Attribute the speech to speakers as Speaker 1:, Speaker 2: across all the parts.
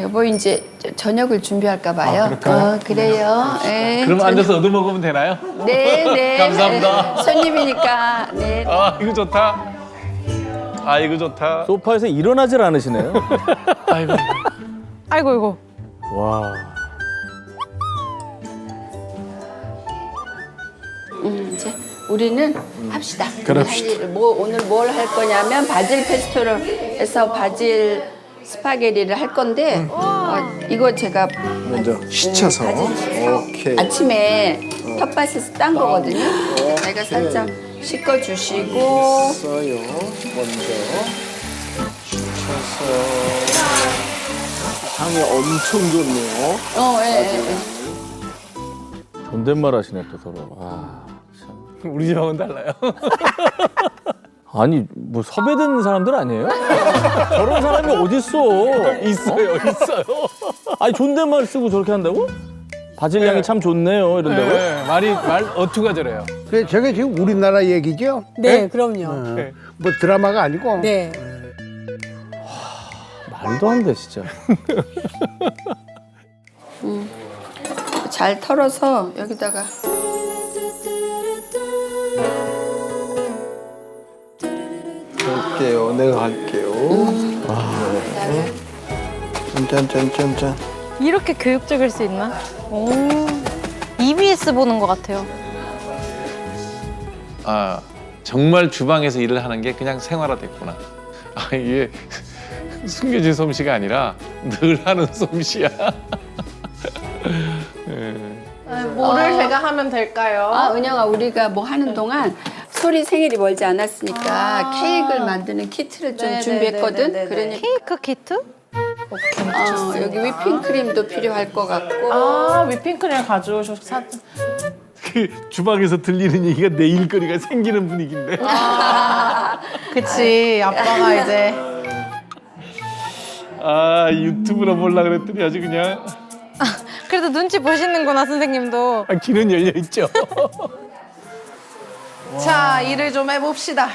Speaker 1: 여보 이제 저녁을 준비할까 봐요. 그래요. 네,
Speaker 2: 그럼 앉아서 얻어 먹으면 되나요?
Speaker 1: 네, 네.
Speaker 2: 감사합니다.
Speaker 1: 손님이니까. 네.
Speaker 2: 아 이거 좋다. 아 이거 좋다.
Speaker 3: 소파에서 일어나질 않으시네요.
Speaker 2: 아이고.
Speaker 4: 아이고 이거.
Speaker 3: 와.
Speaker 1: 이제 우리는 합시다.
Speaker 2: 그럽시다.
Speaker 1: 오늘 뭘 할 거냐면 바질 페스토를 해서 바질 스파게티를 할 건데 이거 제가
Speaker 5: 먼저 씻혀서. 오케이.
Speaker 1: 아침에 텃밭에서 딴 거거든요. 제가 살짝 씻어주시고
Speaker 5: 써요. 먼저 씻혀서. 향이 엄청 좋네요.
Speaker 1: 예.
Speaker 3: 존댓말 하시네 또 서로. 아, 참.
Speaker 2: 우리 집하고는 달라요.
Speaker 3: 아니 뭐 섭외된 사람들 아니에요? 저런 사람이 어딨어?
Speaker 2: 있어요.
Speaker 3: 아니 존댓말 쓰고 저렇게 한다고? 바질 향이 참 좋네요 이런다고?
Speaker 2: 네, 말 어투가 저래요.
Speaker 6: 그래, 저게 지금 우리나라 얘기죠?
Speaker 4: 네, 그럼요.
Speaker 2: 네.
Speaker 6: 뭐 드라마가 아니고.
Speaker 4: 네.
Speaker 3: 말도 안 돼 진짜.
Speaker 1: 잘 털어서 여기다가
Speaker 5: 할게요. 내가 할게요. 짠짠짠짠짠.
Speaker 4: 이렇게 교육적일 수 있나? 오. EBS 보는 것 같아요.
Speaker 2: 아 정말 주방에서 일을 하는 게 그냥 생활화됐구나. 아 이게 숨겨진 솜씨가 아니라 늘 하는 솜씨야.
Speaker 7: 뭐를 제가 하면 될까요?
Speaker 1: 은영아 우리가 뭐 하는 동안 소리 생일이 멀지 않았으니까 케이크를 만드는 키트를 좀 준비했거든. 그러니까
Speaker 4: 케이크 키트?
Speaker 1: 여기 whipping cream도 필요할 것 같고.
Speaker 7: 위핑크림 가져오셔서
Speaker 2: 그 주방에서 들리는 얘기가 내 일거리가 생기는 분위기인데.
Speaker 7: 그치 아빠가 이제
Speaker 2: 아 유튜브로 보려고 그랬더니 아주 그냥
Speaker 4: 그래도 눈치 보시는구나 선생님도.
Speaker 2: 길은 열려 있죠.
Speaker 7: 자 일을 좀 해봅시다.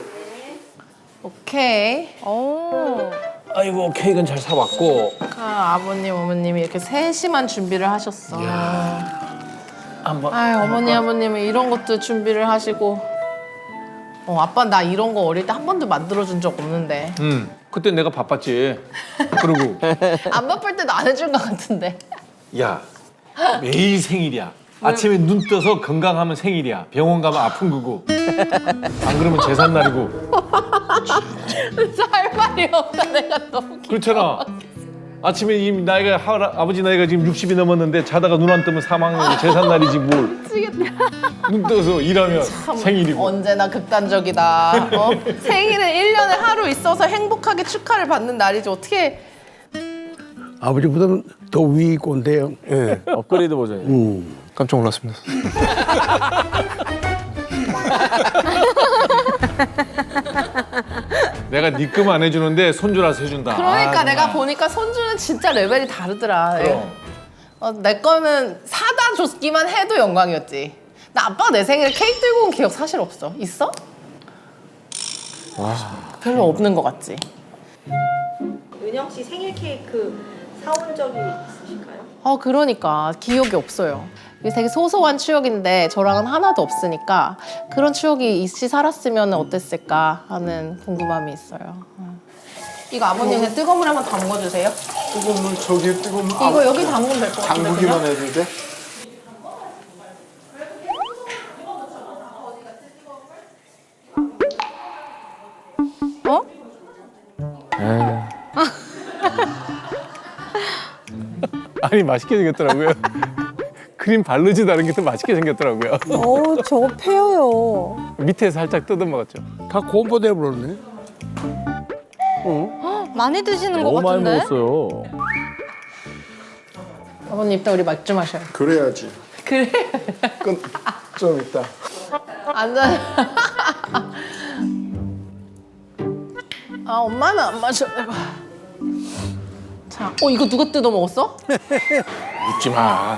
Speaker 7: 오케이.
Speaker 4: 오.
Speaker 2: 아이고 케이크는 잘 사왔고.
Speaker 7: 아버님 어머님이 이렇게 세심한 준비를 하셨어.
Speaker 2: 한번.
Speaker 7: 어머니 아버님은 이런 것도 준비를 하시고. 아빠 나 이런 거 어릴 때 한 번도 만들어준 적 없는데.
Speaker 2: 그때 내가 바빴지. 그러고
Speaker 7: 안 바쁠 때도 안 해준 것 같은데.
Speaker 2: 야 매일 생일이야. 아침에 눈 떠서 건강하면 생일이야. 병원 가면 아픈 거고. 안 그러면 제삿날이고.
Speaker 7: 할 말이 없다 내가 너무
Speaker 2: 그렇잖아. 아침에 이미 나이가 아버지 나이가 지금 60이 넘었는데 자다가 눈 안 뜨면 사망이고 제삿날이지 뭘. 눈 떠서 일하면 생일이고.
Speaker 7: 언제나 극단적이다. 생일은 1년에 하루 있어서 행복하게 축하를 받는 날이지 어떻게.
Speaker 6: 아버지보다는 더 위 꼰대요.
Speaker 5: 예.
Speaker 3: 업그레이드 버전이.
Speaker 5: 깜짝 놀랐습니다.
Speaker 2: 내가 니끔 안 해주는데 손주라서 해준다.
Speaker 7: 그러니까 내가 보니까 손주는 진짜 레벨이 다르더라. 내 거는 사다 줬기만 해도 영광이었지. 나 아빠가 내 생일에 케이크 들고 온 기억 사실 없어. 있어? 별로 없는 것 같지.
Speaker 8: 은영 씨 생일 케이크 사온 적이 있으실까요?
Speaker 7: 그러니까 기억이 없어요. 이게 되게 소소한 추억인데 저랑은 하나도 없으니까 그런 추억이 있이 살았으면 어땠을까 하는 궁금함이 있어요. 이거 아버님 그냥 뜨거운 물 한번 담궈주세요.
Speaker 5: 뜨거운 물 저기 뜨거운 물.
Speaker 7: 이거 여기 담그면 될 것 같은데
Speaker 5: 담그기만
Speaker 7: 그냥?
Speaker 5: 해도 돼?
Speaker 4: 어?
Speaker 2: 아니 맛있게 생겼더라고요. 크림 바르지도 않은 게 더 맛있게 생겼더라고요.
Speaker 4: 저거 페어요.
Speaker 2: 밑에 살짝 뜯어 먹었죠.
Speaker 6: 다 공포돼 버렸네.
Speaker 4: 많이 드시는 것
Speaker 3: 너무 많이
Speaker 4: 같은데?
Speaker 3: 먹었어요.
Speaker 7: 아버님 이따 우리 맥주 마셔요.
Speaker 5: 그래야지.
Speaker 7: 그래?
Speaker 5: 좀 있다.
Speaker 7: 앉아. 엄마는 안 마셔. 내가. 자, 이거 누가 뜯어 먹었어?
Speaker 2: 묻지 마.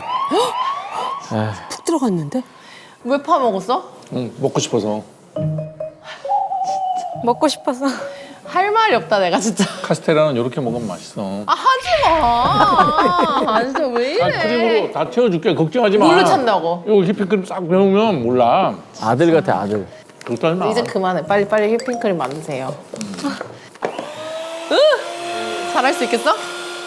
Speaker 4: 푹 들어갔는데?
Speaker 7: 왜 파 먹었어?
Speaker 2: 응, 먹고 싶어서.
Speaker 4: 먹고 싶어서.
Speaker 7: 할 말이 없다 내가 진짜.
Speaker 2: 카스테라는 이렇게 먹으면 맛있어.
Speaker 7: 아 하지 마. 아 진짜 왜 이래?
Speaker 2: 아, 크림으로 다 채워줄게. 걱정하지 마.
Speaker 7: 뭘로 찬다고?
Speaker 2: 이거 휘핑크림 싹 배우면 몰라.
Speaker 3: 아들 같아 아들.
Speaker 2: 걱정하지 마.
Speaker 7: 이제 그만해. 빨리 휘핑크림 만드세요. 잘할 수 있겠어?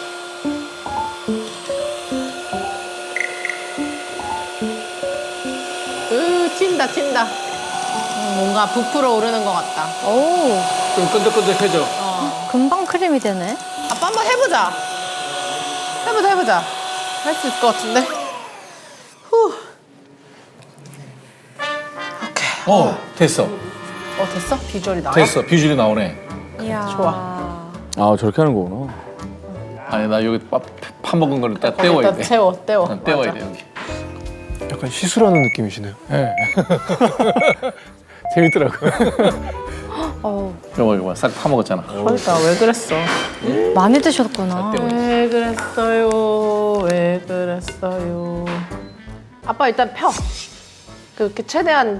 Speaker 7: 튄다. 뭔가 부풀어 오르는 것 같다.
Speaker 4: 오,
Speaker 2: 좀 끈적끈적해져.
Speaker 4: 금방 크림이 되네.
Speaker 7: 아빠 한번 해보자. 할 수 있을 것 같은데. 후.
Speaker 2: 됐어.
Speaker 7: 됐어? 비주얼이 나와?
Speaker 2: 됐어. 비주얼이 나오네.
Speaker 4: 이야.
Speaker 7: 좋아.
Speaker 3: 아 저렇게 하는 거구나.
Speaker 2: 아니 나 여기 파먹은 거를 딱 떼워야 돼.
Speaker 7: 떼워.
Speaker 2: 떼워야
Speaker 7: 맞아.
Speaker 2: 돼 여기.
Speaker 5: 약간 시술하는 느낌이시네요.
Speaker 2: 네. 재밌더라고.
Speaker 4: 어,
Speaker 2: 이거 싹 파먹었잖아.
Speaker 7: 그러니까 왜 그랬어?
Speaker 4: 많이 드셨구나.
Speaker 7: 왜 그랬어요? 아빠 일단 펴. 그렇게 최대한.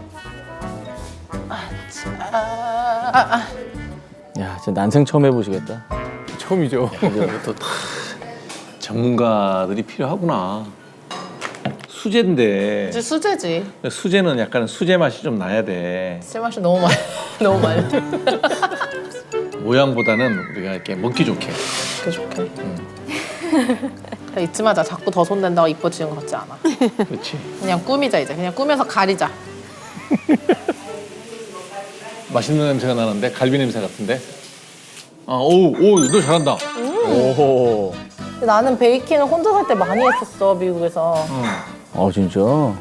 Speaker 3: 야 진짜 난생 처음 해보시겠다.
Speaker 2: 처음이죠. 또 전문가들이 필요하구나. 수제인데
Speaker 7: 이제 수제지.
Speaker 2: 수제는 약간 수제 맛이 좀 나야 돼.
Speaker 7: 쓸맛이 너무 많이.
Speaker 2: 모양보다는 우리가 이렇게 먹기 좋게.
Speaker 7: 좋게. 잊지 마자. 자꾸 더 손댄다고 이뻐지는 것 같지 않아.
Speaker 2: 그렇지.
Speaker 7: 그냥 꾸미자 이제. 그냥 꾸며서 가리자.
Speaker 2: 맛있는 냄새가 나는데 갈비 냄새 같은데. 너 잘한다.
Speaker 3: 오호.
Speaker 7: 나는 베이킹을 혼자 살 때 많이 했었어 미국에서.
Speaker 3: 진짜.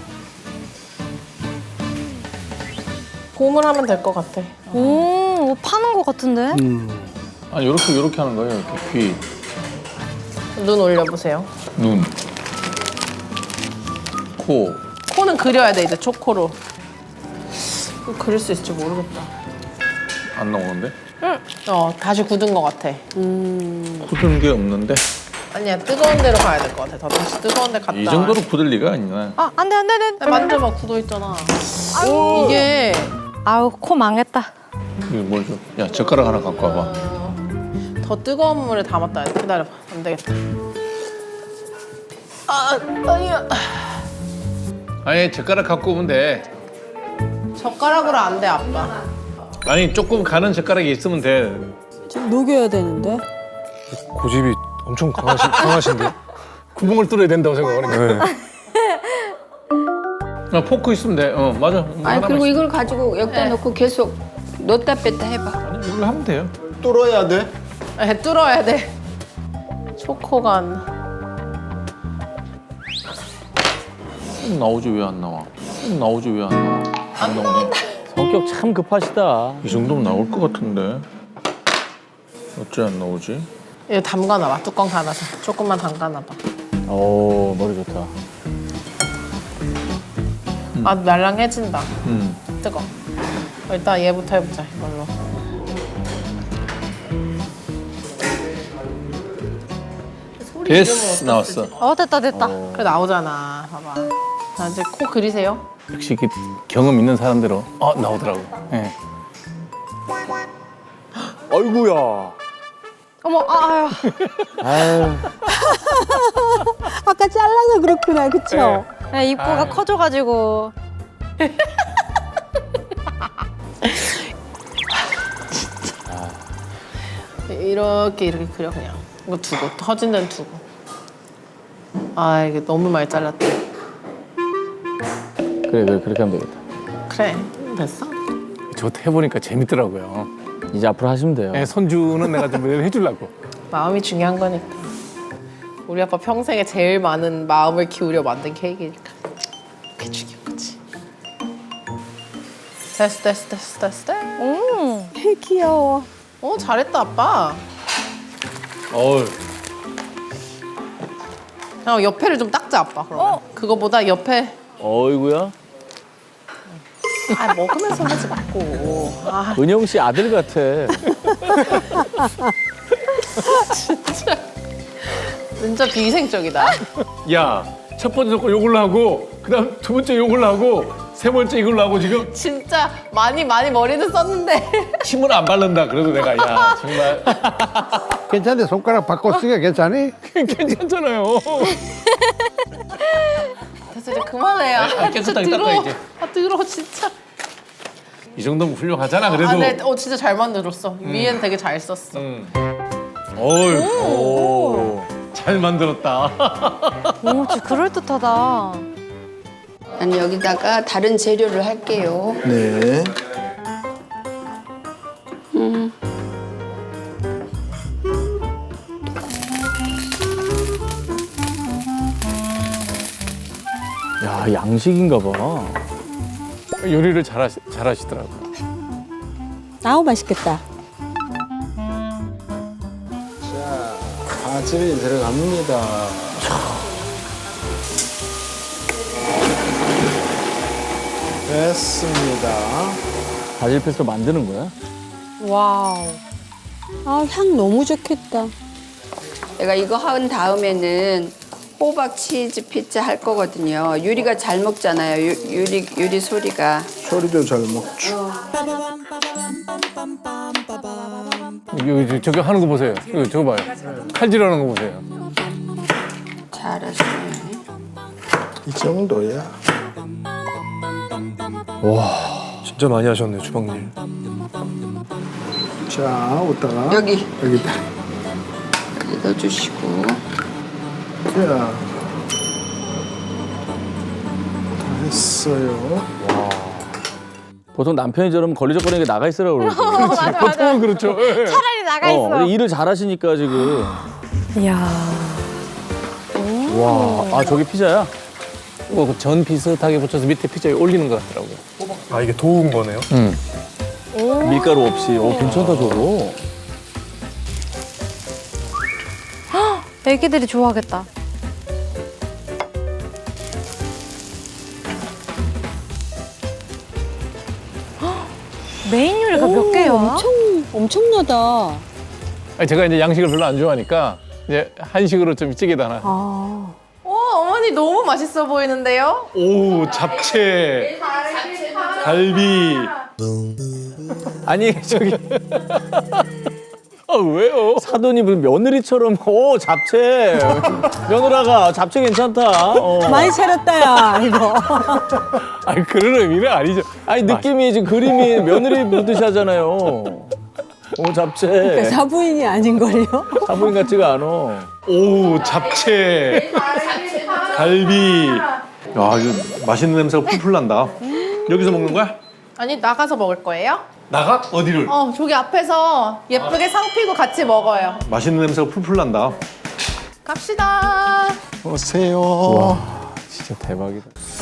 Speaker 7: 봄을 하면 될 것 같아.
Speaker 4: 오, 파는 것 같은데?
Speaker 2: 요렇게 하는 거예요. 이렇게 귀,
Speaker 7: 눈 올려보세요.
Speaker 2: 눈, 코.
Speaker 7: 코는 그려야 돼 이제 초코로. 그릴 수 있을지 모르겠다.
Speaker 2: 안 나오는데?
Speaker 7: 다시 굳은 것 같아.
Speaker 2: 굳은 게 없는데?
Speaker 7: 아니야 뜨거운 데로 가야 될 것 같아. 더 다시 뜨거운 데 갔다.
Speaker 2: 이 정도로 굳을 리가 아니야.
Speaker 4: 아, 안 돼.
Speaker 7: 만져봐 굳어 있잖아. 이게
Speaker 4: 아우, 코 망했다.
Speaker 2: 이거 뭘 좀? 야 젓가락 하나 갖고 와봐.
Speaker 7: 더 뜨거운 물에 담았다. 기다려봐. 안 되겠다. 아니야.
Speaker 2: 아니 젓가락 갖고 오면 돼.
Speaker 7: 젓가락으로 안 돼 아빠.
Speaker 2: 아니 조금 가는 젓가락이 있으면 돼.
Speaker 9: 녹여야 되는데.
Speaker 5: 고집이 엄청 강하신데.
Speaker 2: 구멍을 뚫어야 된다고 생각하는 거야. 포크 있으면 돼. 맞아.
Speaker 1: 아니
Speaker 2: 하나만
Speaker 1: 그리고
Speaker 2: 있-
Speaker 1: 이걸 가지고 여기다 놓고 계속 넣었다 뺐다 해봐.
Speaker 2: 아니 이걸로 하면 돼요.
Speaker 5: 뚫어야 돼.
Speaker 7: 뚫어야 돼. 초코간.
Speaker 2: 나오지 왜 안 나와? 나오지 왜 안 나와? 안 나오네.
Speaker 3: 성격 참 급하시다.
Speaker 2: 이 정도면 나올 것 같은데. 어째 안 나오지?
Speaker 7: 이거 담가놔봐. 뚜껑 닫아서. 조금만 담가놔봐.
Speaker 3: 오 머리 좋다.
Speaker 7: 말랑해진다.
Speaker 2: 음.
Speaker 7: 뜨거. 일단 얘부터 해보자 이걸로.
Speaker 2: 됐어 나왔어.
Speaker 4: 됐다.
Speaker 7: 그래 나오잖아. 봐봐. 자 이제 코 그리세요.
Speaker 2: 역시 그 경험 있는 사람들은 나오더라고. 예.
Speaker 3: 아이고야.
Speaker 4: 어머, 아유.
Speaker 3: 아유.
Speaker 9: 아까 잘라서 그렇구나, 그쵸?
Speaker 4: 네, 입구가 커져가지고.
Speaker 7: 이렇게 그려 그냥. 이거 두고 터진 데는 두고. 이게 너무 많이 잘랐다.
Speaker 3: 그래 그렇게 하면 되겠다.
Speaker 7: 그래 됐어?
Speaker 2: 저도 해보니까 재밌더라고요.
Speaker 3: 이제 앞으로 하시면 돼요.
Speaker 2: 예, 손주는 내가 좀 해주려고.
Speaker 7: 마음이 중요한 거니까. 우리 아빠 평생에 제일 많은 마음을 기울여 만든 케이크니까. 그게 중요한 거지. 됐어.
Speaker 9: 귀여워.
Speaker 7: 잘했다 아빠.
Speaker 2: 어우.
Speaker 7: 옆에를 좀 닦자 아빠 그러면. 그거보다 옆에.
Speaker 3: 어이구야.
Speaker 7: 먹으면서 하지 말고.
Speaker 3: 은영 씨 아들 같아.
Speaker 7: 진짜 비위생적이다.
Speaker 2: 야, 첫 번째 거 요걸로 하고, 그다음 두 번째 요걸로 하고, 세 번째 이걸로 하고 지금
Speaker 7: 진짜 많이 머리는 썼는데
Speaker 2: 침을 안 바른다. 그래도 내가 야 정말
Speaker 6: 괜찮은데 손가락 바꿔 쓰기가 괜찮니?
Speaker 2: 괜찮잖아요.
Speaker 7: 됐어 이제 그만해요.
Speaker 2: 깨끗하게 닦아,
Speaker 7: 더러워.
Speaker 2: 이제.
Speaker 7: 더러워 진짜.
Speaker 2: 이 정도면 훌륭하잖아. 그래도.
Speaker 7: 아, 네, 진짜 잘 만들었어. 위엔 되게 잘 썼어.
Speaker 2: 어유, 잘 만들었다.
Speaker 4: 오, 진짜 그럴듯하다.
Speaker 1: 난 여기다가 다른 재료를 할게요.
Speaker 5: 네.
Speaker 3: 야, 양식인가 봐.
Speaker 2: 요리를 잘하시더라고.
Speaker 9: 아우 맛있겠다.
Speaker 5: 바질이 들어갑니다. 됐습니다.
Speaker 3: 바질 페스토 만드는 거야?
Speaker 4: 와우.
Speaker 9: 아, 향 너무 좋겠다.
Speaker 1: 내가 이거 한 다음에는 호박 치즈 피자 할 거거든요. 유리가 잘 먹잖아요. 유리 소리가.
Speaker 5: 소리도 잘 먹죠.
Speaker 2: 여기 저기 하는 거 보세요. 이거 저거 봐요. 칼질하는 거 보세요.
Speaker 1: 잘하시네.
Speaker 5: 이 정도야. 진짜 많이 하셨네 주방일. 자, 오다가
Speaker 1: 여기
Speaker 5: 여기다.
Speaker 1: 여기 넣어주시고.
Speaker 5: 자, 다 했어요.
Speaker 3: 보통 남편이 저러면 걸리적거리는 게 나가 있으라고 그러지.
Speaker 2: 보통은 그렇죠. 예.
Speaker 4: 차라리 나가 있어.
Speaker 3: 근데 일을 잘하시니까 지금.
Speaker 4: 이야.
Speaker 3: 와, 아 저게 피자야?
Speaker 2: 전 비슷하게 붙여서 밑에 피자에 올리는 것 같더라고요.
Speaker 5: 아, 이게 도운 거네요?
Speaker 3: 밀가루 없이. 괜찮다 저거.
Speaker 4: 애기들이 좋아하겠다. 메인 요리가 몇 개야?
Speaker 9: 엄청나다.
Speaker 2: 아니, 제가 이제 양식을 별로 안 좋아하니까 이제 한식으로 좀 찌개도 하나.
Speaker 7: 어머니 너무 맛있어 보이는데요?
Speaker 2: 오, 잡채, 갈비.
Speaker 3: 아니 저기
Speaker 2: 아 왜요?
Speaker 3: 사돈이 무슨 며느리처럼 잡채. 며느라가 잡채 괜찮다.
Speaker 9: 많이 차렸다, 야, 이거.
Speaker 2: 아니 그런 의미는 아니죠.
Speaker 3: 아니 느낌이 지금 그림이 며느리 보듯이 하잖아요. 잡채.
Speaker 9: 사부인이 아닌걸요?
Speaker 3: 사부인 같지가 않아.
Speaker 2: 오, 잡채, 갈비. 야, 이거 맛있는 냄새가 풀풀 난다. 여기서 먹는 거야?
Speaker 7: 아니 나가서 먹을 거예요?
Speaker 2: 나가? 어디를?
Speaker 7: 저기 앞에서 예쁘게 상 피고 같이 먹어요.
Speaker 2: 맛있는 냄새가 풀풀 난다.
Speaker 7: 갑시다.
Speaker 5: 오세요.
Speaker 2: 진짜 대박이다.